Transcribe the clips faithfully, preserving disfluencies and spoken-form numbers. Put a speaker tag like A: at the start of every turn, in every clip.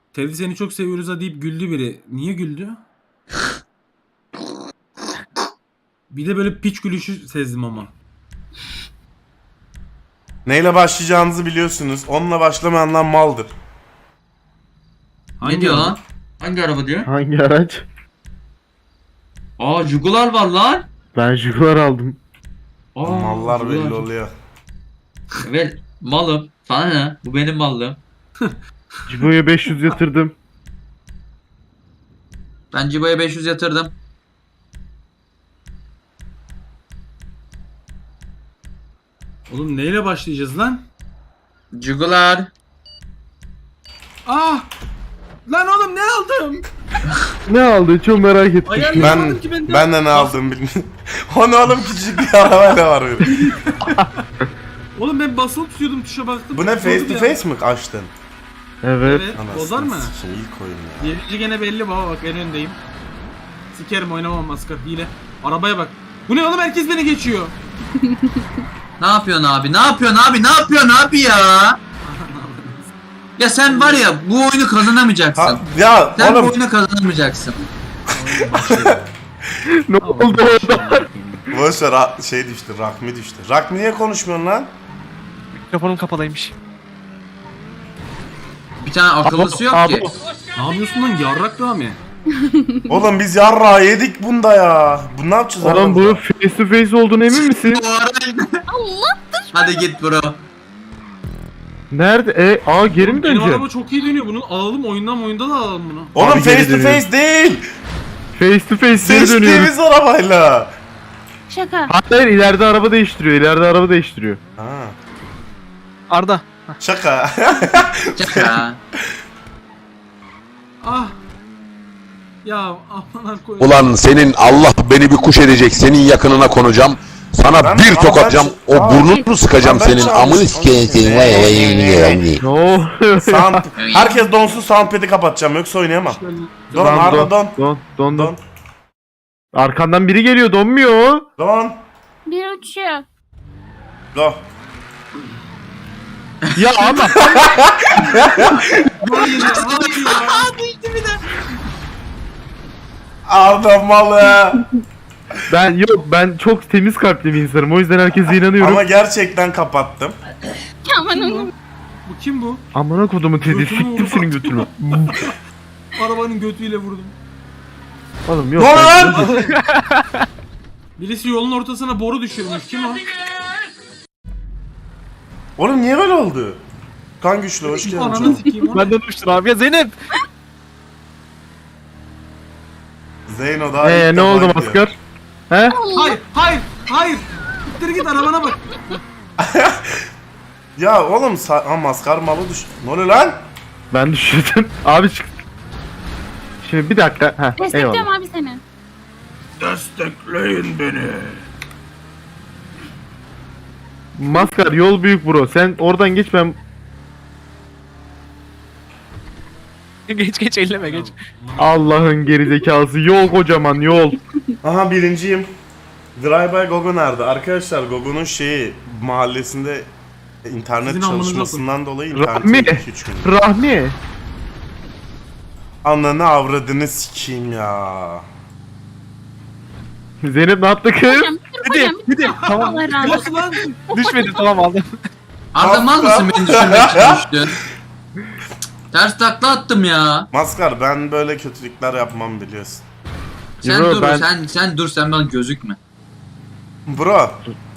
A: Teddy seni çok seviyoruz ha deyip güldü biri. Niye güldü? Bir de böyle piç gülüşü sezdim ama.
B: Neyle başlayacağınızı biliyorsunuz. Onunla başlamayanlar maldır.
A: Hangi
C: Ne diyor
A: araba?
C: lan? Hangi araba diyor?
D: Hangi araç?
C: Aa Jugular var lan.
D: Ben Jaguar aldım.
C: Aa,
B: Mallar
C: Jaguar.
B: belli oluyor.
C: Evet malım. Sana ne? Bu benim mallım.
D: Cibo'ya beş yüz yatırdım.
C: Ben Cibo'ya beş yüz yatırdım.
A: Oğlum neyle başlayacağız lan?
C: Jugular.
A: Ah! Lan oğlum ne aldım?
D: Ne aldı? Çok merak ettim.
A: Ayarlayamadım
B: Ben
A: ki ben de.
B: ben de ne aldım bilmiyorum. Onu oğlum küçük bir arabayla var böyle.
A: Oğlum ben basılı tutuyordum tuşa baktım.
B: Bu ne, face to
A: Ya.
B: face mi açtın?
D: Evet.
A: Evet.
B: Anasını
A: Bozar mı?
B: sikeyim, ilk oyun ya.
A: Birinci gene belli baba, bak en öndeyim. Sikerim, oynamam maskar, hile. Arabaya bak. Bu ne oğlum, herkes beni geçiyor.
C: Ne yapıyorsun abi? Ne yapıyorsun abi? Ne yapıyorsun abi ya? Ya sen var ya bu oyunu kazanamayacaksın.
B: Ha, ya
C: Sen bu
B: oğlum
C: oyunu kazanamayacaksın.
D: Ne oldu orada?
B: boş ver, ra- şey düştü, Rahmi düştü. Rahmi niye konuşmuyorsun lan?
E: Mikrofonum kapalıymış.
C: Bir tane akıllısı yok
D: Abi,
C: ki.
A: Ne yapıyorsun lan yarrak Rami?
B: Oğlum biz yarrağı yedik bunda ya. Bu ne yapacağız
D: Oğlum bu
B: aramızda?
D: face to face olduğunu emin misin?
C: Hadi git bro.
D: Nerede? E, aa geri mi
A: Benim
D: döneceğim?
A: araba çok iyi dönüyor, bunu alalım oyundan oyunda da alalım bunu.
B: Oğlum
D: Abi
B: face
D: geri
B: to
D: dönüyorum.
B: face değil.
D: Face to face geri dönüyoruz.
B: Seçtiğimiz arabayla.
F: Şaka.
D: Hayır, ileride araba değiştiriyor. İleride araba değiştiriyor.
B: Ha,
E: Arda.
B: şaka.
C: Şaka.
A: Ah! Ya aman koy.
G: Ulan senin Allah beni bir kuş edecek, senin yakınına konacağım. Sana
B: Ben-
G: bir
B: ama
G: tokatacağım,
B: ben-
G: o
B: Aa,
G: burnunu sıkacağım
B: ben
G: senin,
B: çalmışım.
G: amını sikeyim senin. Vay vay vay vay.
D: Ne oluyor?
B: Sound, herkes donsun, soundpad'i kapatacağım yoksa oynayamam. Don,
D: Lan
B: Arda don.
D: Don, don, don.
B: Don.
D: Arkandan biri geliyor, donmuyor.
B: Don.
F: Bir uçuyor.
B: Go.
D: Ya ama
B: Arda malı.
D: ben yok, ben çok temiz kalpli bir insanım. O yüzden herkese inanıyorum.
B: Ama gerçekten kapattım.
F: Aman oğlum.
A: Bu kim bu?
D: Amına kodumu Teddy,
A: Götümü
D: siktim
A: vurdu.
D: senin götünü.
A: Arabanın götüyle vurdum.
D: Oğlum yok.
B: Ne
D: ben-
B: lan?
A: Birisi yolun ortasına boru düşürmüş, kim o?
B: Oğlum niye böyle oldu? Kan güçlü, hoş geldin.
A: Ananı
B: canım.
A: sikeyim o.
E: Benden uçtun abi ya Zeynep.
B: Zeyno daha ilk
D: Eee ne
B: defa
D: oldu
B: gidiyor.
D: maskar? He?
A: Hayır, hayır, hayır. Gittir git arabana bak.
B: Ya oğlum sa- ha, maskar malı düş. Ne oluyor lan?
D: Ben düşürdüm. Abi çık. Şimdi bir dakika. Heh,
F: Destekliyorum
D: eyvallah.
F: abi seni.
A: Destekleyin beni.
D: Maskar yol büyük bro. Sen oradan geç, ben
E: Geç geç elleme geç.
D: Allah'ın gerizekası. Yol kocaman yol.
B: Aha birinciyim. Drive by Gogo nerede? Arkadaşlar Gogo'nun şeyi mahallesinde internet
A: Sizin amınıza
B: çalışmasından dolayı
D: Rahmi.
B: internet iki üç gün.
D: Rahmi.
B: Ananı avradını sikeyim ya.
D: Zeynep ne yaptı kız?
F: Hocam bir
E: Hadi
F: hocam.
E: hadi. Tamam.
F: Allah razı olsun.
A: Nasıl lan?
E: Düşmedi tamam aldım.
C: Arda mal mısın beni düşürmek için düştün? Ters takla attım ya.
B: Maskar ben böyle kötülükler yapmam biliyorsun.
C: Sen
D: Yo,
C: dur
D: ben-
C: sen sen dur sen bana gözükme.
B: Bro.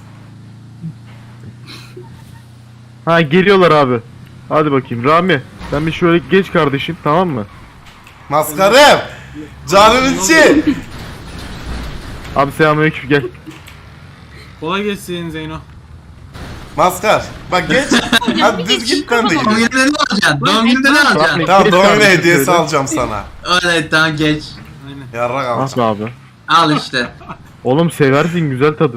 D: Ha geliyorlar abi. Hadi bakayım Rami. Sen bir şöyle geç kardeşim, tamam mı?
B: Maskarım. Canın içi.
D: Abi selamünaleyküm, gel.
A: Kolay gelsin Zeyno.
B: Maskar. Bak geç. Hadi düz git ben de
C: Doğum
B: gideyim.
C: gününde ne alacaksın? Doğum gününde ne alacaksın?
B: Tamam
D: Geç
B: doğum günü
D: kardeşim
B: hediyesi
D: şöyle.
B: alacağım sana.
C: Evet tamam geç.
A: Aynen.
B: Yarrak
D: Ah
B: alacağım.
D: be abi.
C: Al işte.
D: Oğlum seversin, güzel tadı.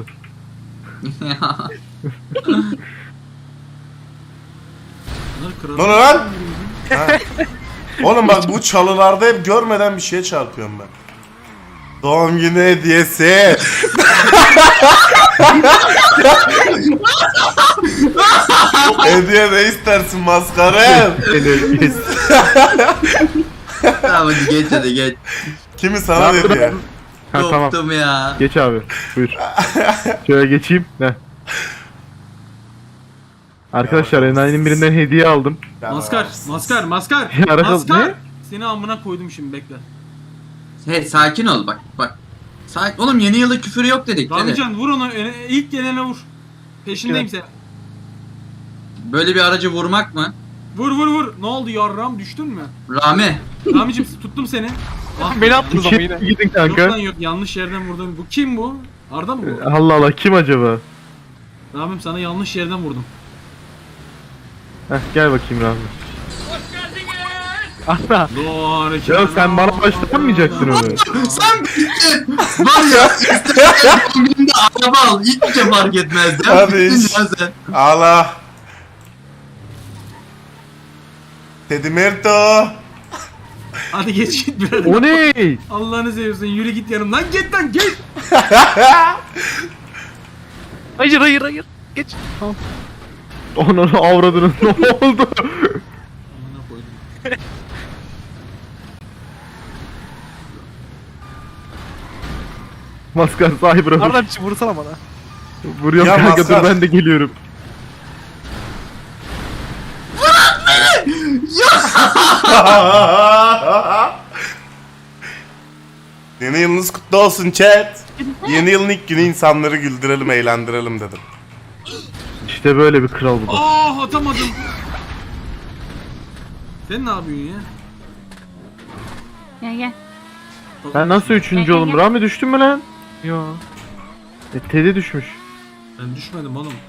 A: Bunlar kral.
B: Ne oluyor lan? Ha. Oğlum bak bu çalılarda hep görmeden bir şeye çarpıyorum ben. Doğum günü hediyesi. Hediye ne istersin maskarım?
C: Tamam hadi geç hadi geç.
B: Kimi sana hediye?
D: Ha tamam.
C: Korktum ya.
D: Geç abi. Buyur. Şöyle geçeyim. Heh. Arkadaşlar enayinin birinden hediye aldım.
A: Maskar, maskar, maskar.
D: Ya, arada-
A: maskar.
D: ne?
A: Seni amına koydum şimdi bekle.
C: Hey sakin ol bak bak. Sakin. Oğlum yeni yılı küfür yok dedik. Hadi.
A: Ramican vur onu. e, ilk gelene vur. Peşindeyim sen.
C: Böyle bir aracı vurmak mı?
A: Vur vur vur. Ne oldu yarram düştün mü?
C: Rami.
A: Ramicim tuttum seni. Ah,
E: Beni attınız ama yine.
D: İki gidin
A: yok lan
D: kanka.
A: yok yanlış yerden vurdum. Bu kim bu? Arda mı bu?
D: Allah Allah kim acaba?
A: Ramim sana yanlış yerden vurdum.
D: Heh gel bakayım Rahmi.
E: Arda.
A: Doğru.
D: Ya sen bana başlatamayacaksın onu.
C: Sen bittin. Var ya. İstersen doğum gününde araba al. Hiçbir şey fark etmez. Ya.
B: Hadi
C: Bittin
B: iş.
C: ya sen.
B: Allah. Teddy Merto.
A: Hadi geç git birader.
D: O ne?
A: Allah'ını seviyorsun yürü git yanımdan git lan git.
E: Hayır hayır hayır. Geç. Tamam.
D: Onun avradının ne oldu?
A: Amına koydum.
D: Maskar sahibi bırak.
E: Arda bir şey vursana bana.
D: Vuruyorum
B: Ya
D: kanka
B: Maskar.
D: dur ben de geliyorum.
B: Yeni yılınız kutlu olsun chat. Yeni yılın ilk günü insanları güldürelim, eğlendirelim dedim.
D: İşte böyle bir kral bu. da.
A: Ah atamadım. Sen ne yapıyorsun ya?
F: Gel gel.
D: Ben nasıl üçüncü oğlum? Rami düştün mü lan?
E: Yo.
D: E, Teddy düşmüş.
A: Ben düşmedim oğlum.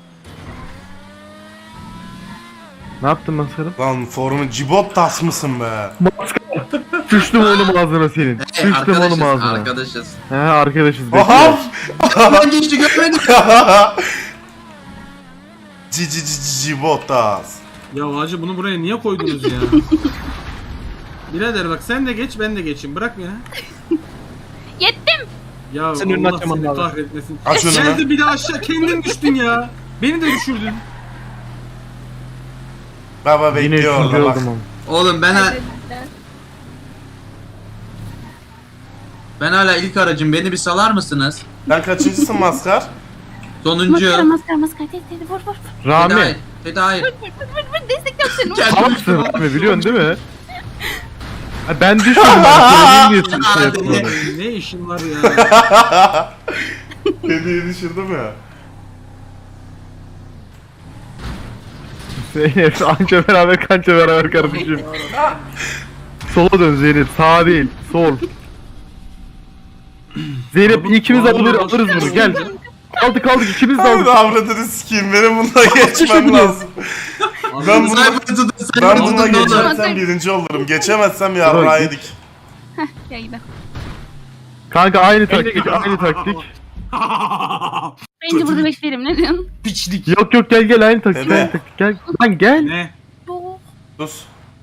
D: Ne yaptın maskarım?
B: Lan formu cibot tas mısın be?
D: Düştüm oğlum ağzına senin.
C: Hey,
D: Düştüm oğlum
C: arkadaşız.
D: ağzına.
C: Arkadaşız.
D: He arkadaşız
B: Aha!
D: bekle.
C: Ben geçti görmedim.
B: Cici cici cibot tas.
A: Ya hacı bunu buraya niye koydunuz ya? Birader bak sen de geç ben de geçeyim bırak beni.
F: Yettim.
A: Ya
E: Senin önünü
A: Allah
E: açamam
A: seni
E: lazım.
A: kahretmesin.
B: Aç önünü.
A: Geldi bir de aşağı kendin düştün ya. Beni de düşürdün.
B: Baba
D: Yine
B: bekliyor
D: üçüncü
B: orada bak.
D: oldum oğlum.
C: Oğlum ben ha- ben hala ilk aracım. Beni bir salar mısınız?
B: Sen kaçıncısın maskar?
C: Sonuncu.
F: Maskara maskara maskara. Tedi tedi vur vur.
C: Tedi
D: Rami.
C: hayır. Tedi hayır.
F: Vur vur destekliyorum seni. Vur.
C: Gel.
D: Tamamsın Rami biliyorsun değil mi? Ha, ben düşmedim ben söyleyeyim diye şey
C: Hadi.
D: yapmadım.
A: Ne işin var ya?
B: Hediye düşürdüm ya.
D: Zeynep anca beraber kanca beraber kardeşim. Sola dön Zeynep sağa değil sol. Zeynep ikimiz alır, alırız bunu gel. Aldık aldık ikimiz de
B: Abi
D: aldık.
B: avradını sikeyim benim bununla geçmem lazım. Ben bunu
C: Cyber'ı tutun.
B: ben
C: Cyber'ı
B: bununla
C: tutun ne olur.
B: geçersem birinci olurum. Geçemezsem yarrağı yedik.
F: Gel gidelim.
D: Kanka aynı taktik aynı taktik.
F: Bence burada bekleyelim ne diyorsun?
A: Piçlik.
D: Yok yok gel gel aynı taktik
B: Dede.
D: aynı taktik gel. Lan gel.
A: Ne?
F: Oh.
B: Sus.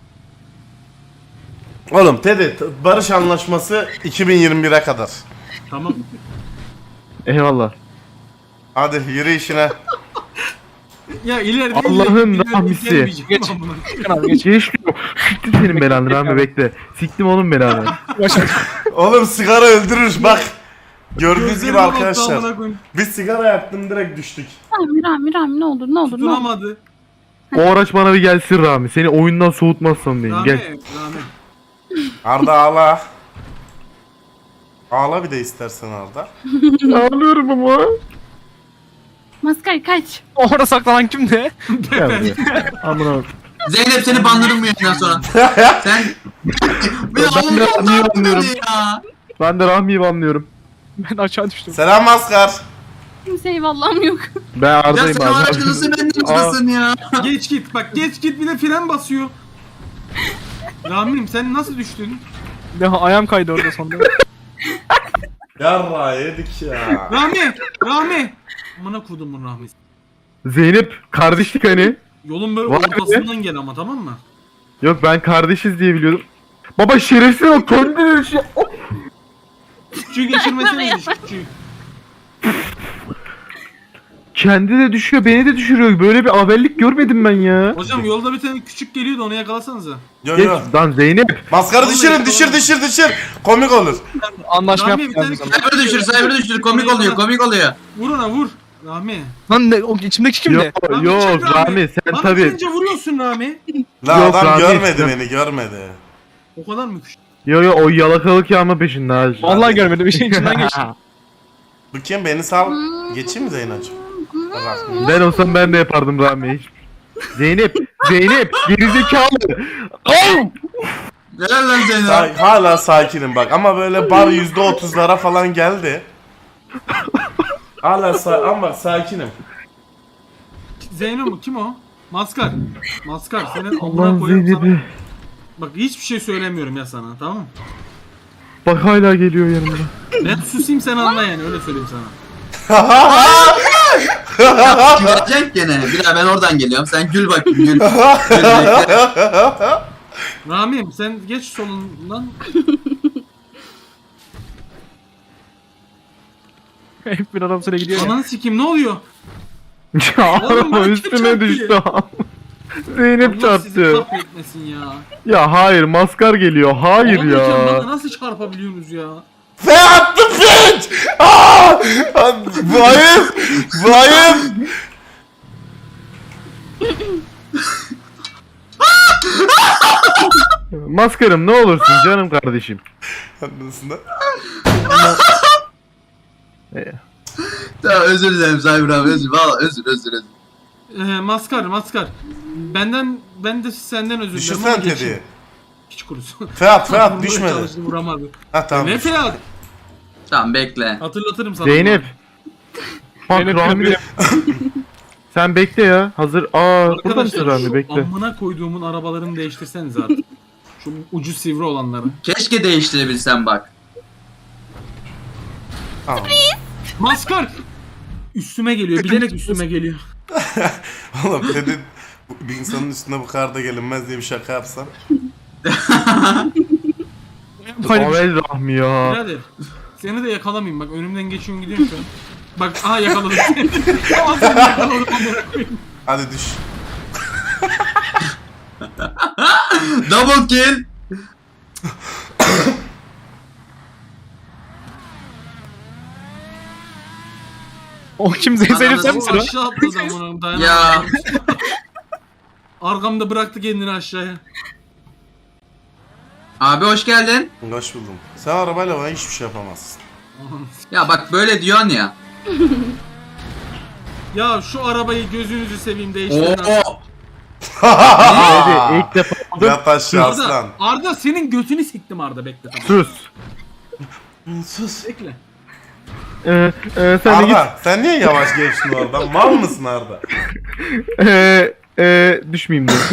B: Oğlum Teddy, t- barış anlaşması iki bin yirmi bire kadar.
A: Tamam.
D: Eyvallah.
B: Hadi yürü işine.
A: Ya ileride
D: Allah'ın
A: ileride- ileride
D: rahmisi.
A: gelmeyeceğim
E: Geç.
A: ben buna.
E: Çıkın abi geç.
D: Geç diyor. Siktim senin belanı Rami bekle. Siktim oğlum belanı.
E: Başar.
B: Oğlum sigara öldürür bak. Gördüğünüz gibi
A: Gözlerime baktı,
B: arkadaşlar.
A: amına koyayım.
B: Biz sigara yaktım direkt düştük.
F: Rami Rami Rami ne olur ne olur ne olur.
A: Tutunamadı.
D: O araç bana bir gelsin Rami. Seni oyundan soğutmazsam diyeyim.
A: Rami,
D: Gel.
A: Rami.
B: Arda ağla. Ağla bir de istersen Arda.
D: Ağlıyorum ama.
F: Maskara kaç.
E: Orada saklanan kimdi?
D: Gel buraya. Amına.
C: Zeynep seni bandırdım bu yayından sonra. Sen... Bir
D: Ben de
C: Allah'ım
D: Rami'yi anlıyorum.
C: ya.
D: Ben de Rahmi'yi banlıyorum.
E: Ben aşağı düştüm.
B: Selam maskar.
F: Kimse eyvallahım yok.
D: Ben
C: Ya
D: Arda'yım
C: sen
D: abi.
C: aracı nasıl benden tutasın ya?
A: Geç git bak geç git bir de fren basıyor. Rami'm sen nasıl düştün?
E: Ya ayağım kaydı orada sonunda.
B: Yarra yedik ya.
A: Rami! Rami! Amına kodumun Rahmi'si.
D: Zeynep kardeşlik hani.
A: Yolun böyle
D: Vay be.
A: ortasından gel ama tamam mı?
D: Yok ben kardeşiz diye biliyordum. Baba şerefsiz o kendini şey.
A: Küçüğü geçirmesene diş küçüğü.
D: Kendi de düşüyor, beni de düşürüyor. Böyle bir haberlik görmedim ben ya.
A: Hocam yolda bir tane küçük geliyordu onu yakalasanıza.
B: Yo
D: Geç
B: yo.
D: lan Zeynep.
B: Maskarı
A: Vallahi
B: düşürün düşür düşür düşür. Komik olur.
E: Anlaşma
A: Rami bir
E: yaptık.
A: tane
E: yani.
C: Cyber düşür, cyber düşür. Komik oluyor, komik oluyor.
A: Vur ona vur. Rami.
E: Lan ne, o içimdeki kim
D: Yok
E: de?
A: Rami,
D: yok
A: çek
D: Rami sen
A: Bana
D: tabi.
A: gelince vuruyorsun Rami.
B: La
D: Yok,
B: adam
D: Rami,
B: görmedi
D: sen-
B: beni görmedi.
A: O kadar mı küçük?
D: Yo yo o yalakalık yağma peşinde ha.
E: Vallahi görmedim. İşin içinden geçti.
B: Bu kim beni sal. Geçeyim mi Zeynacığım? Bak.
D: Ben olsam ben de yapardım Rami. Zeynep, Zeynep gerizekalı. Al!
C: Helal lan Zeynep.
B: Sa- hala sakinim bak ama böyle bar yüzde otuzlara falan geldi. Hala sa- ama bak sakinim.
A: Zeyno mu? Kim o? Maskar. Maskar senin amına
D: Allah'ım
A: koyuyorum sana.
D: Zeynep'i.
A: Bak hiçbir şey söylemiyorum ya sana tamam mı?
D: Bak hala geliyor yanımda.
A: Ben susayım sen anla yani öyle söyleyeyim sana.
C: Gülecek gene. Bir daha ben oradan geliyorum. Sen gül bakayım gül. Gül bekle.
A: Rami'm sen geç solundan.
E: Hep bir adam sıra gidiyor ya.
A: Ananı sikeyim ne oluyor?
D: Ya
A: Oğlum,
D: araba
A: bana kim
D: üstüme
A: çarptı
D: düştü. Zeynep
A: Allah sizi
D: çarptı.
A: kahretmesin ya.
D: Ya hayır maskar geliyor. Hayır
A: Oğlum hocam,
D: ya.
A: bana nasıl çarpabiliyorsunuz ya?
B: Fe attı piç! Aa! Bu ayıp! Bu ayıp!
D: Maskarım ne olursun canım kardeşim.
B: Anlasında.
C: Tamam özür dilerim Cyber abi özür. Valla özür özür özür.
A: Ee, maskar maskar. Benden ben de senden özür dilerim ama
B: Düşürsen
A: geçeyim.
B: Teddy'yi.
A: Hiç kurusun.
B: Fe at fe at
A: Vurmaya
B: düşmedi.
A: çalıştı, vuramadı.
B: Ha tamam.
A: Ne Ferhat?
C: Tamam bekle.
A: Hatırlatırım sana.
D: Zeynep. Bak
E: Zeynep
D: Rami.
E: benim-
D: Sen bekle ya. Hazır. Aa burada mısın
A: Arkadaşlar
D: Rami
A: şu
D: bekle.
A: amına koyduğumun arabalarını değiştirseniz artık. Şu ucu sivri olanları.
C: Keşke değiştirebilsem bak.
B: Tamam.
A: Maskar! Üstüme geliyor. Bilerek üstüme geliyor.
B: Oğlum Teddy bu- bir insanın üstüne bu kadar da gelinmez diye bir şaka yapsam.
E: Hayır.
D: Avel Rahmi ya.
A: Birader. Seni de yakalamayayım. Bak önümden geçiyorsun gidiyorsun şu an. Bak aha yakaladım seni. Aha seni yakaladım. amına koyayım.
B: Hadi düş.
C: Double kill.
E: O kim? Zeynep sen
A: O
E: misin o?
A: aşağı atladı amına dayanamadım.
C: Ya.
A: Arkamda bıraktı kendini aşağıya.
C: Abi hoş geldin.
B: Hoş buldum. Sen arabayla bana hiçbir şey yapamazsın.
C: Ya bak böyle diyorsun ya.
A: Ya şu arabayı gözünüzü seveyim değiştirin.
C: Oo.
D: Hadi ilk defa aldım.
B: Yat aşağı
A: Arda,
B: aslan.
A: Arda senin götünü siktim Arda bekle tamam.
D: Sus.
B: Sus.
A: Bekle.
D: Ee, e, sen de git.
B: Arda sen niye yavaş geçtin oradan? Mal mısın Arda?
D: Ee, e, düşmeyeyim diye.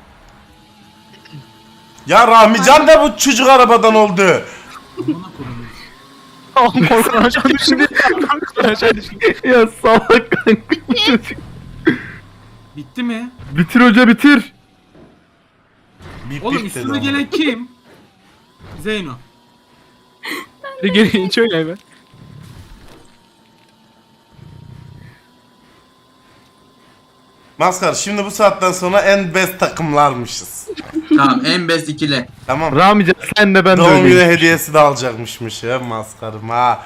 B: Ya Rahmican da bu çocuk arabadan oldu.
A: Amına koyayım.
E: Oğlum korkudan aşağı düştü. Korkudan aşağı düştü.
D: Ya salak kanka bu çocuk.
A: Bitti mi?
D: Bitir hoca bitir.
B: Bip
A: Oğlum
B: bip
A: üstüme
B: dedi
A: gelen kim? Zeyno.
E: Bir geri şöyle hemen.
B: Maskar şimdi bu saatten sonra en best takımlarmışız.
C: Tamam en best ikili.
B: Tamam.
D: Ramican sen de ben de
B: Doğum günü
D: öyleyim.
B: hediyesi de alacakmışmış ya maskarım ha.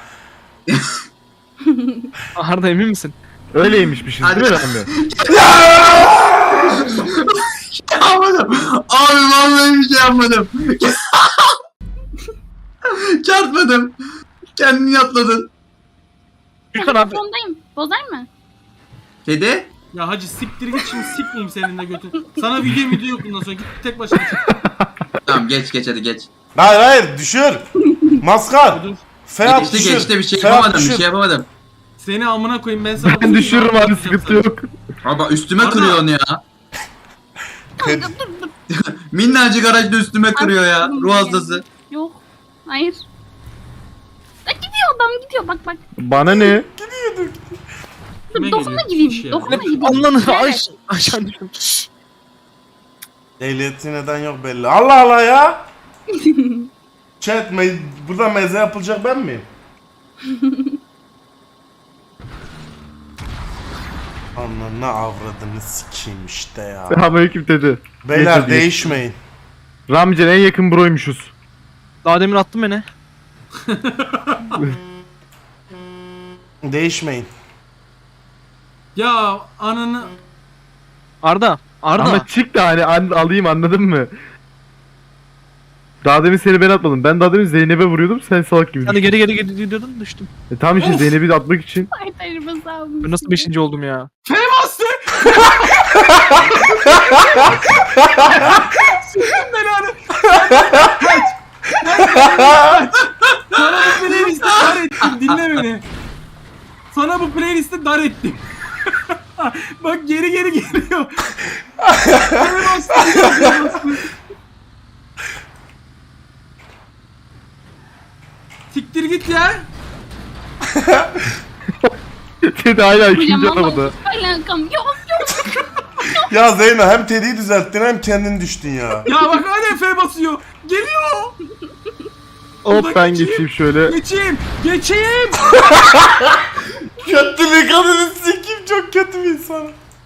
E: Arda emin misin?
D: Öyleymişmişiz değil mi
C: Hadi.
D: Rami?
C: Yapmadım. Abi vallahi bir şey yapmadım. Çarpmadım. Kendini yatladın.
E: Lütfen abi.
F: Sondayım. Bozar mı?
C: Kedi.
A: Ya hacı siktir git şimdi sikmeyeyim senin de götün. Sana video video yok bundan sonra git tek başına çık.
C: Tamam geç geç hadi geç.
B: Hayır hayır düşür. Maskar.
A: Dur.
B: Ferhat
C: Geçti
B: düşür.
C: geçti bir şey
B: Ferhat
C: yapamadım bir
B: düşür.
C: şey yapamadım.
A: Seni amına koyayım ben sana.
D: Ben düşürürüm abi sıkıntı yok.
C: Abi üstüme
A: Arda.
C: kırıyor onu ya.
B: Ted-
C: Minnacık araçla üstüme kırıyor ya. Ruh hastası.
F: Yok. Hayır. Ya gidiyor adam gidiyor bak bak.
D: Bana ne?
A: Kime
F: Dokunma
A: geliyor?
F: gideyim.
A: Piç ya.
F: Dokunma gideyim.
E: Anlanır. Ay,
F: Evet.
E: aşağı düştüm.
B: Ehliyeti neden yok belli. Allah Allah ya. Chat me burada meze yapılacak ben miyim? Ananı avradını sikeyim işte ya.
D: Selamünaleyküm dedi.
B: Beyler
D: Geç hadi.
B: değişmeyin.
D: Ramican en yakın broymuşuz.
E: Daha demin attın beni.
B: Değişmeyin.
A: Ya ananı...
E: Arda. Arda.
D: Ama çık da hani an- alayım, anladın mı? Daha demin seni ben atmadım. Ben daha demin Zeynep'e vuruyordum, sen salak gibi
E: Sen de
D: düştün.
E: geri geri geri gidiyordun düştüm.
D: E tamam işte Zeynep'i de atmak için.
F: Ayaklarımı salmış.
E: Ben nasıl beşinci oldum ya?
A: F bastı! Sıkın belanı! Kaç! Kaç! Sana bu playlist'i dar ettim, dinle beni. Sana bu playlist'i dar ettim. Bak geri geri geliyor. F bastı, F bastı. Siktir git ya.
D: Tedi hala ikinci
F: Hocam
D: arabada.
F: vallahi hiç alakam yok yok.
B: Ya Zeyno hem Teddy'yi düzelttin hem kendin düştün ya.
A: Ya bak hala F basıyor. Geliyor.
D: Hop ben
A: geçeyim.
D: geçeyim şöyle.
A: Geçeyim. Geçeyim.
B: Kötülük adını sikeyim, çok kötü bir insan.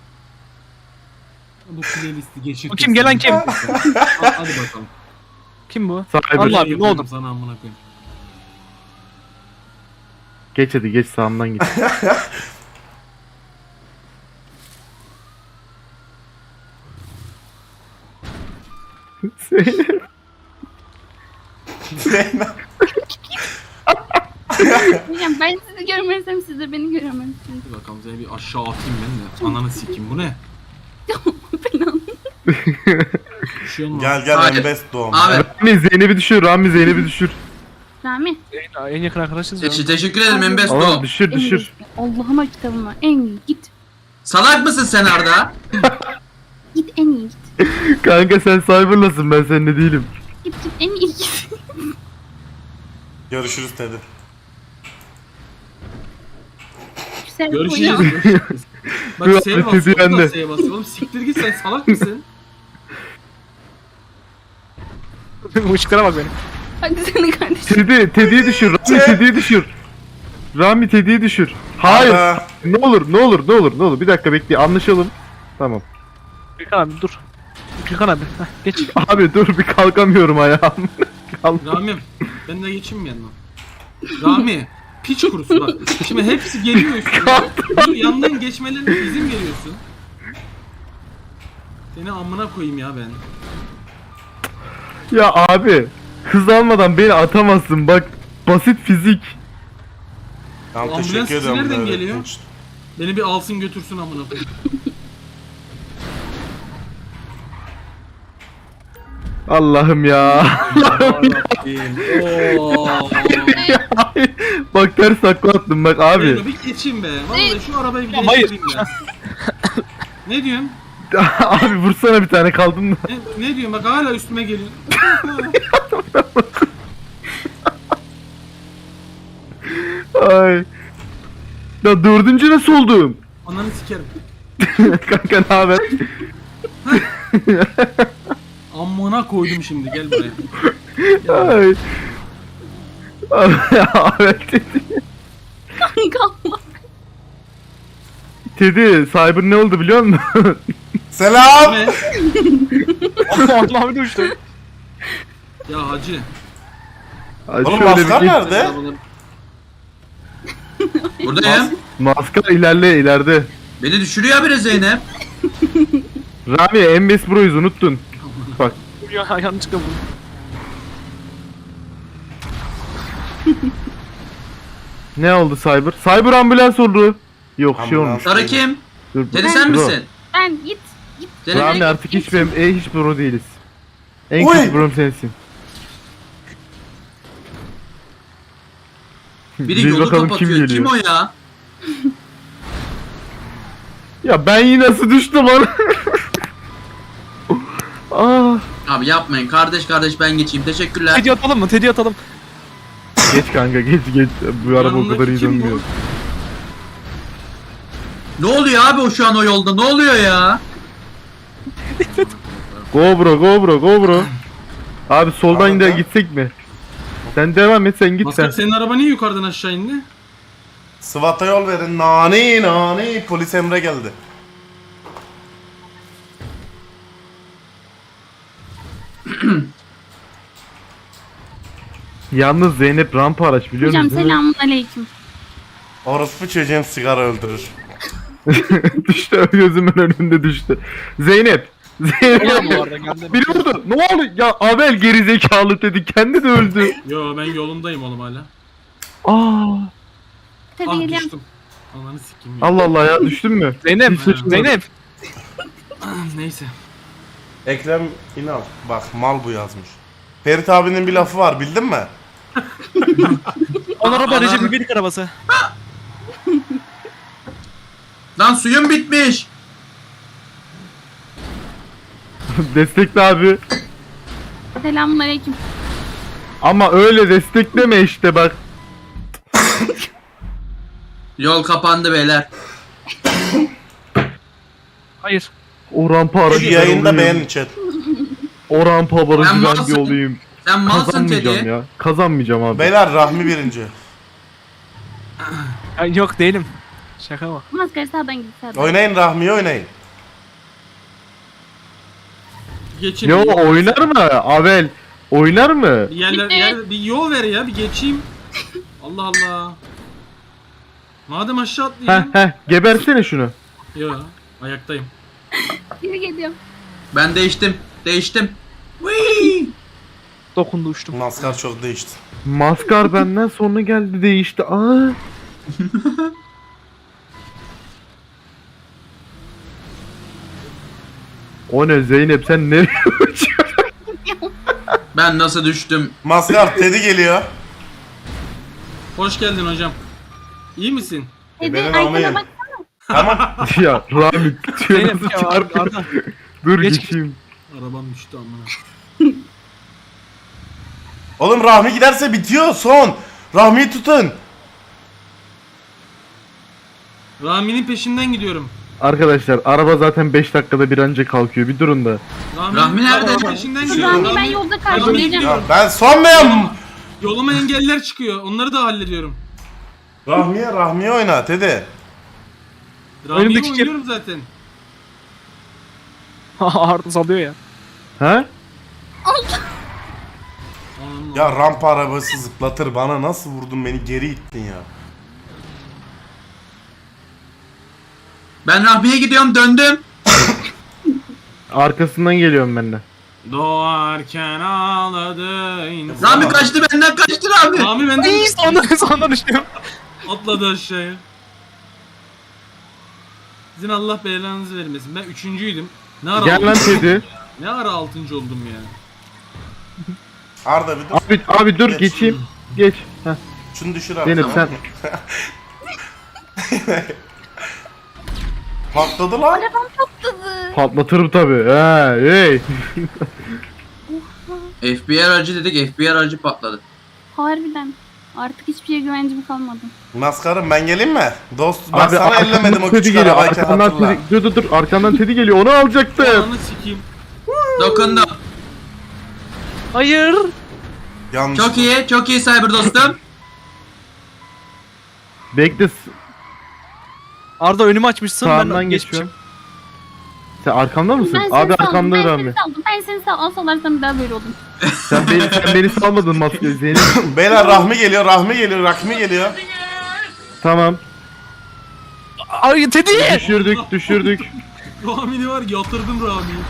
A: Bu playlisti geçir.
E: Bu kim, gelen kim?
A: Hadi bakalım.
E: Kim bu?
D: Cyber.
E: Allah abi, ne oldu?
A: Sana amına koyayım.
D: Geç hadi geç, sağımdan git.
B: Zeyno.
F: Hocam ben sizi görmezsem siz de beni göremezsiniz.
A: Dur bakalım seni bir aşağı atayım ben de. Ananı sikeyim, bu ne?
F: Falan.
A: Bir şey olmaz.
B: Gel gel
C: Hayır.
B: en best doğum.
C: Abi
D: Rami Zeynep'i düşür, Rami Zeynep'i düşür.
F: Rami.
E: En, en yakın arkadaşız ya.
C: teşekkür, teşekkür ederim
D: Oğlum
C: Embesto.
D: düşür
F: en
D: düşür.
F: iyisi. Allah'ıma kitabıma en iyi git.
C: Salak mısın sen Arda?
F: Git en iyi git.
D: Kanka sen Cyber'lasın, ben seninle değilim.
F: Git git en iyi git.
B: Görüşürüz Teddy.
F: Güzel
A: Görüşürüz.
F: oyna.
A: Görüşürüz. Bak
D: Dur
A: S'ye
D: abi,
A: basıyor,
D: Teddy
A: bu da
D: bende.
A: S'ye basıyor. Oğlum siktir git, sen salak mısın?
E: Bu ışıklara bak benim.
F: Hadi senin kardeşim.
D: Tedi, Tedi'yi düşür, Rami
B: Şey-
D: Tedi'yi düşür. Rami Tedi'yi düşür. Hayır.
B: Arda.
D: Ne olur, ne olur, ne olur, ne olur. Bir dakika bekle, anlaşalım. Tamam.
E: Gürkan abi dur. Gürkan abi. Heh, geç.
D: Abi dur, bir kalkamıyorum ayağım. Kalk.
A: Rami'm, ben de geçeyim mi yanına? Rami, piç kurusu bak. Şimdi hepsi geliyor üstüne. Dur, yandan geçmelerine izin veriyorsun. Seni amına koyayım ya ben.
D: Ya abi, hız almadan beni atamazsın bak. Basit fizik.
B: Tamam
A: Ambulans
B: teşekkür
A: sesi
B: ederim.
A: nereden
B: böyle
A: geliyor?
B: öğrettiğin için.
A: Beni bir alsın götürsün amına koyayım.
D: Allah'ım ya.
A: Oo.
D: Bak ters takla attım bak abi.
A: Zeyno, bir geçeyim be. Vallahi şu arabayı bir
E: Ya hayır.
A: geçireyim ya. Ne diyorsun?
D: Abi vursana bir tane, kaldım da.
A: Ne, ne diyorsun? Bak hala üstüme geliyor.
D: Ay. Ya dördüncü nasıl oldum?
A: Ananı sikerim.
D: Kanka ne haber?
A: Amına koydum şimdi, gel buraya.
D: Ay. Abi, abi Tedi.
F: Kanka Allah.
D: Tedi, Cyber ne oldu biliyor musun?
B: Selam.
A: Ne?
E: Allah abi düştü.
A: Ya hacı.
D: Ay,
B: Oğlum
D: şöyle bir
B: maskar
D: geç-
B: nerede?
C: Buradayım.
D: Maskar ilerle ileride.
C: Beni düşürüyor habire Zeynep.
D: Rami M B S Pro'yuz, unuttun. Bak.
E: Ya yanlışlıkla vurdum.
D: Ne oldu Cyber? Cyber ambulans oldu. Yok şey
B: Ambulans.
D: olmuş.
C: Sarı kim?
D: Dur,
C: Dedi sen
D: Bro.
C: misin?
F: Ben git. Git.
C: Zeynep.
D: Rami artık hiç benim, e, hiç pro değiliz. En
B: Oy!
D: kötü pro'm sensin.
C: Biri
D: Bil
C: yolu
D: bakalım
C: kapatıyor. Kim, o ya?
D: Ya ben yine nasıl düştüm lan? Ah.
C: Abi yapmayın. Kardeş kardeş ben geçeyim. Teşekkürler.
E: Tedi atalım mı? Tedi atalım.
D: Geç kanka geç geç. Bu araba o
A: Yanındaki
D: kadar iyi
A: kim bu?
D: dönmüyor.
C: Ne oluyor abi o şu an o yolda? Ne oluyor ya?
D: Go bro go bro go bro. Abi soldan
B: Abi
D: da
B: ben-
D: gitsek mi? Sen devam et, sen git
A: Maskar
D: sen.
A: senin araba niye yukarıdan aşağı indi?
B: Sıvata yol verin. Nani nani. Polis Emre geldi.
D: Yalnız Zeynep rampa araç biliyor
F: Hocam
D: musun?
F: selamun aleyküm.
B: Orospu çocuğun sigara öldürür.
D: Düştü, gözümün önünde düştü. Zeynep. Zeynep.
E: Bu arada geldim.
D: Biri vurdu. Ne oldu? Ya Abel gerizekalı dedi. Kendi de öldü.
A: Yo ben yolundayım oğlum hala.
D: Aa.
F: Tabii
A: Ah
F: geliyorum.
A: düştüm. Ananı sikeyim ya.
D: Allah Allah ya, düştün mü?
E: Zeynep,
D: Hiç şaşırmadım.
E: Zeynep.
A: Neyse.
B: Ekrem İnal. Bak mal bu yazmış. Ferit abinin bir lafı var bildin mi?
E: On araba
C: Anam.
E: Recep İvedik arabası.
C: Lan suyum bitmiş.
D: Destekle abi.
F: Selamun aleyküm.
D: Ama öyle destekleme işte bak.
C: Yol kapandı beyler.
E: Hayır.
D: O rampa
B: Şu
D: aracı ben
B: yayında
D: olayım.
B: beğenin chat.
D: O rampa aracı
C: Ben
D: ben bir
C: malsın.
D: olayım.
C: Sen malsın
D: Kazanmayacağım
C: Teddy.
D: ya. Kazanmayacağım abi.
B: Beyler Rahmi birinci.
E: Ya, yok değilim. Şaka mı?
F: Maskara sağdan git sağdan.
B: Oynayın Rahmi'yi oynayın.
A: Geçin.
D: Yo,
A: Bir-
D: oynar mı? Abel oynar mı?
A: Bir yerler,
F: Bitti.
A: yer, bir yol ver ya bir geçeyim. Allah Allah. Madem aşağı
D: Heh
A: atlayayım.
D: heh, gebersene şunu.
A: Yo ayaktayım.
F: Geri geliyorum.
C: Ben değiştim. Değiştim. Whee!
E: Dokundu uçtum.
B: Maskar çok değişti.
D: Maskar benden sonra geldi, değişti. Aa. O ne Zeynep, sen nereye uçuyorsun?
C: Ben nasıl düştüm?
B: Maskar Teddy geliyor.
A: Hoş geldin hocam. İyi misin?
F: Hadi
B: benim
F: arkana
B: almayın.
F: bak.
B: Tamam.
D: Ya Rami
E: Zeynep
D: tüyünüzü
E: ya
D: çarpıyor.
E: Arda.
D: Dur
E: Geç.
D: geçeyim.
A: Arabam düştü amına.
B: Oğlum Rahmi giderse bitiyor son. Rahmi'yi tutun.
A: Rami'nin peşinden gidiyorum.
D: Arkadaşlar araba zaten beş dakikada bir anca kalkıyor, bir durun da.
A: Rami,
C: Rahmi nerede?
A: Rami'nin peşinden gidiyorum.
F: Rami ben
A: Rami-
F: yolda
A: Rami
F: karşılayacağım.
A: gidiyor.
B: Ya ben son muyum?
A: Yoluma engeller çıkıyor. Onları da hallediyorum.
B: Rahmi'ye Rahmi'ye oyna Teddy.
A: Rami'yi
E: Önümdeki kere-
A: oynuyorum zaten.
E: Arda salıyor ya.
D: Ha?
A: Anam
B: Ya rampa arabası zıplatır, bana nasıl vurdun, beni geri ittin ya.
C: Ben Rahmi'ye gidiyorum, döndüm.
D: Arkasından geliyorum ben de.
A: Doğarken ağladı insan.
C: Rami kaçtı benden, kaçtı Rami.
A: Rami benden
E: Ay sonunda sonunda düştüm.
A: atladı aşağıya. Sizin Allah belanızı vermesin. Ben üçüncüydüm. Ne ara
D: Gel lan
A: altıncı-
D: Teddy.
A: Ne ara altıncı oldum ya.
B: Arda bir dur.
D: Abi abi dur
B: Geç.
D: geçeyim. Geç. Heh.
B: Şunu düşür abi.
D: Zeynep sen.
B: Patladı lan.
F: Arabam patladı.
D: Patlatırım tabi. He, hey.
C: F B I aracı dedik, F B I aracı patladı.
F: Harbiden. Artık hiçbir şeye güvencim kalmadı.
B: Maskarım ben geleyim mi? Dost ben
D: Abi
B: sana
D: arkamdan
B: ellemedim o
D: Teddy
B: küçük
D: geliyor.
B: arabayken
D: Arkamdan
B: hatırla.
D: Teddy, dur dur dur. Arkamdan Teddy geliyor. Onu alacaktım.
A: Ananı sikeyim.
C: Dokundum.
E: Hayır.
B: Yanlış.
C: Çok iyi, çok iyi cyber dostum.
D: Bekle. s-
E: Arda önümü açmışsın
D: Sağından
E: ben
D: geçiyorum. Sen arkamda mısın?
F: Ben seni
D: Abi
F: saldım.
D: arkamda
F: Ben
D: Rami.
F: seni saldım. Ben seni sal alsalarsan bir daha böyle oldum.
D: Sen beni, sen beni salmadın maske Zeynep.
B: Beyler Rahmi geliyor, Rahmi geliyor, Rahmi geliyor.
D: Tamam.
E: Ay Teddy.
D: Düşürdük düşürdük.
A: Rami'ni var yatırdım Rami'yi.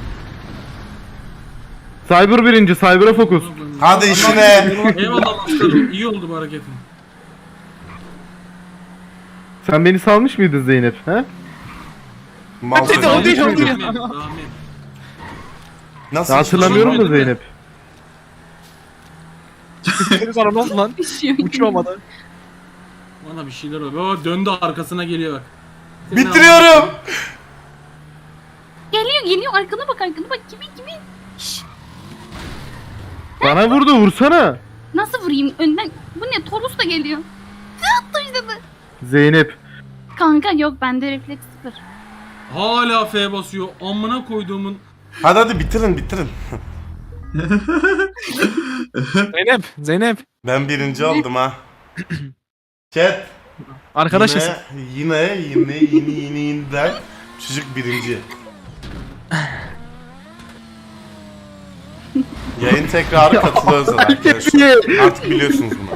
D: Cyber birinci. Cyber'a fokus.
B: Hadi işine.
A: Eyvallah aslanım. İyi oldu bu hareketin.
D: Sen beni salmış mıydın Zeynep? He?
B: Mal
E: Teddy,
B: söylüyor.
E: o değil, o
A: Rami,
E: değil.
A: Rami.
B: Nasıl
D: Ya hatırlamıyorum da
A: Sormadı değil mi?
D: Zeynep.
E: Senin sana ne oldu lan?
F: Düşüyor.
E: Uçuyormadı.
A: Bana bir şeyler oluyor. Baba döndü arkasına geliyor bak. Seni
B: Bitiriyorum.
F: Geliyor geliyor. Arkana bak arkana bak. Kimin kimin?
D: Bana vurdu, vursana.
F: Nasıl vurayım? Önden. Bu ne? Torus da geliyor. Attı işte de.
D: Zeynep.
F: Kanka yok bende refleks sıfır.
A: Hala F basıyor. Amına koyduğumun.
B: Hadi hadi bitirin bitirin.
E: Zeynep, Zeynep.
B: Ben birinci oldum ha. Chat.
E: Arkadaşız.
B: Yine, yine, yine, yine, yine, yine, çocuk birinci. Yayın tekrarı katılıyoruz arkadaşlar. Artık biliyorsunuz bunu.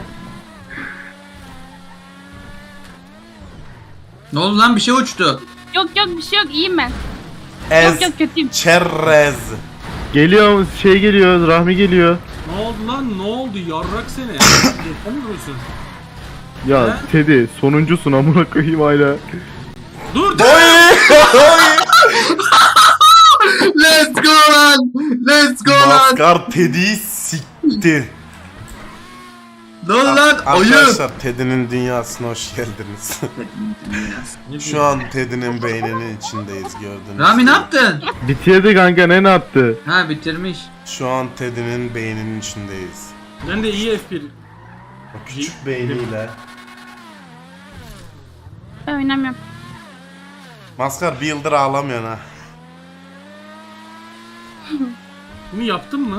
C: Ne oldu lan bir şey uçtu.
F: Yok yok bir şey yok iyiyim ben.
B: Ez,
F: Yok yok kötüyüm.
B: çerrez.
D: Geliyor şey geliyor Rahmi geliyor.
A: Ne oldu lan? Ne oldu? Yarrak seni. Yapamıyorsun.
D: Ya
A: He?
D: Teddy sonuncusun amına koyayım hala.
A: Dur.
C: Let's go lan. Let's go lan.
B: Maskar Teddy'yi sikti.
C: Ne oldu lan? Oyun.
B: Arkadaşlar Teddy'nin dünyasına hoş geldiniz. Şu an Teddy'nin beyninin içindeyiz gördüğünüz
C: Rami
B: gibi.
C: ne yaptın?
D: Bitirdi kanka ne ne yaptı?
C: Ha bitirmiş.
B: Şu an Teddy'nin beyninin içindeyiz.
A: Ben de iyi F bir.
B: O küçük beyniyle.
F: Ben oynamıyorum.
B: Maskar bir yıldır ağlamıyorsun ha.
A: Bunu yaptın mı?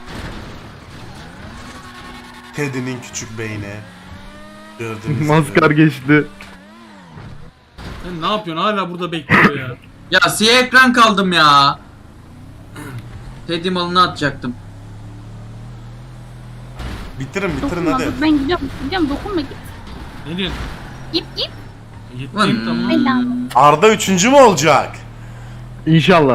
B: Teddy'nin küçük beyni. Gördüğünüz gibi.
D: Maskar geçti.
A: Sen ne yapıyorsun? Hala burada bekliyor ya.
C: Ya siyah ekran kaldım ya. Teddy malını atacaktım.
B: Bitirin bitirin
F: Dokunma
B: hadi.
F: dur ben gidiyorum. Gidiyorum dokunma git.
A: Ne diyorsun?
F: Git git.
A: Gittim tamam.
F: Bedava.
B: Arda üçüncü mü olacak?
D: İnşallah.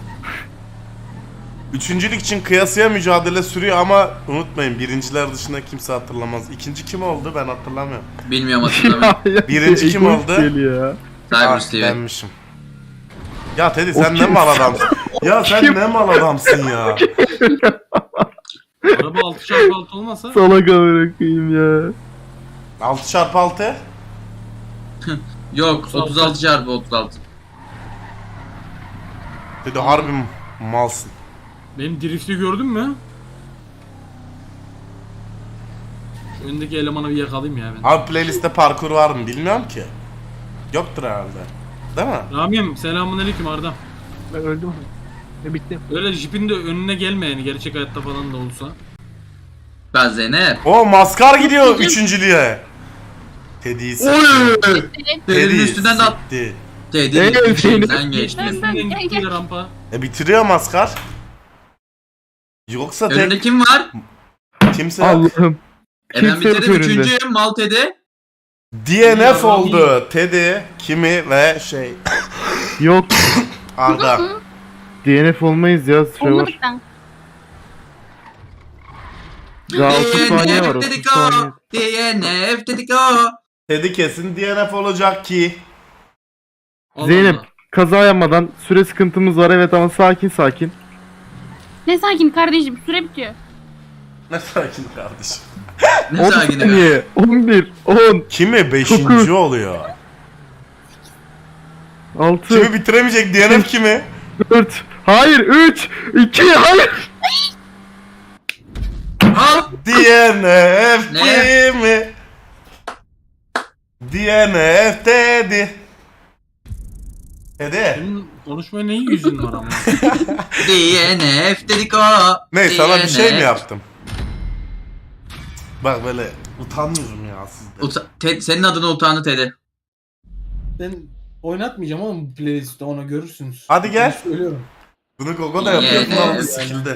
B: Üçüncülük için kıyasıya mücadele sürüyor ama unutmayın birinciler dışında kimse hatırlamaz. İkinci kim oldu ben hatırlamıyorum.
C: Bilmiyorum hatırlamıyorum.
B: Birinci kim
D: Egoist
B: oldu?
D: geliyor ya.
C: Cyber
B: Ah,
C: Steven.
B: benmişim. Ya Teddy sen ne mal adamsın? Ya sen ne mal adamsın ya?
A: Araba altı çarpı altı olmasa
D: Salak amına koyayım ya.
B: altı çarpı altı?
C: Yok otuz altı çarpı otuz altı.
B: Teddy harbi malsın.
A: benim drifti gördün mü? Öndeki elemanı bir yakalayayım ya ben.
B: Abi playlistte parkur var mı bilmiyorum ki. Yoktur herhalde. Değil mi?
A: Rami'm selamünaleyküm Arda.
E: Ben öldüm. Ne bitti.
A: Öyle jipin de önüne gelme yani gerçek hayatta falan da olsa.
C: Ben Zeynep.
B: O maskar gidiyor üçüncülüğe. Teddy'yi sikti.
C: Teddy'nin
B: Teddy'yi
C: üstünden de at.
B: sikti.
C: Teddy'nin
D: Evet,
C: üstünden geçti.
F: Ben ben
A: Üstünden
F: gel
A: gitti
F: gel.
A: ya rampa.
B: E bitiriyor maskar. Yoksa
C: Önünde
B: tek
C: kim var?
B: kimse yok.
D: Allah'ım.
C: E ben
D: Kimse yok
C: bitirdim
D: önünde.
C: üçüncüyüm mal Teddy.
B: D N F oldu. Teddy, Kimi ve şey
D: Yok.
B: Arda.
D: D N F olmayız ya sıra var.
F: Olmadık ben.
D: Daha otuz saniye var
C: D N F
D: otuz
C: dedik
D: saniye.
C: o. D N F dedik o.
B: Teddy kesin D N F olacak ki.
A: Allah
D: Zeynep
A: Allah.
D: kaza yapmadan süre sıkıntımız var evet ama sakin sakin.
F: Ne sakin kardeşim süre bitiyor.
B: Ne sakin kardeşim.
C: Ne
D: on
C: sakin be.
D: saniye. on bir, on,
B: Kimi beşinci
D: Dokuz.
B: oluyor.
D: altı,
B: Kimi bitiremeyecek D N F kimi?
D: dört, hayır üç, iki, hayır.
C: Al.
B: D N F
C: Ne?
B: kimi? D N F Teddy. Teddy.
A: Senin konuşmaya ne yüzün var ama.
C: D N F dedik o.
B: Ne sana bir şey
C: D N F.
B: mi yaptım? Bak böyle utanmıyorum ya sizde.
C: Uta- Ted- senin adına utandı Teddy.
A: Ben oynatmayacağım oğlum bu playlistte onu görürsünüz.
B: Hadi gel.
A: Söylüyorum.
B: Bunu Gogo da yapıyor
C: Yeah.
B: falan bu skill'de.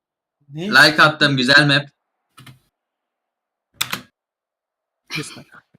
A: Ne?
C: Like attım güzel map.
E: Bir dakika.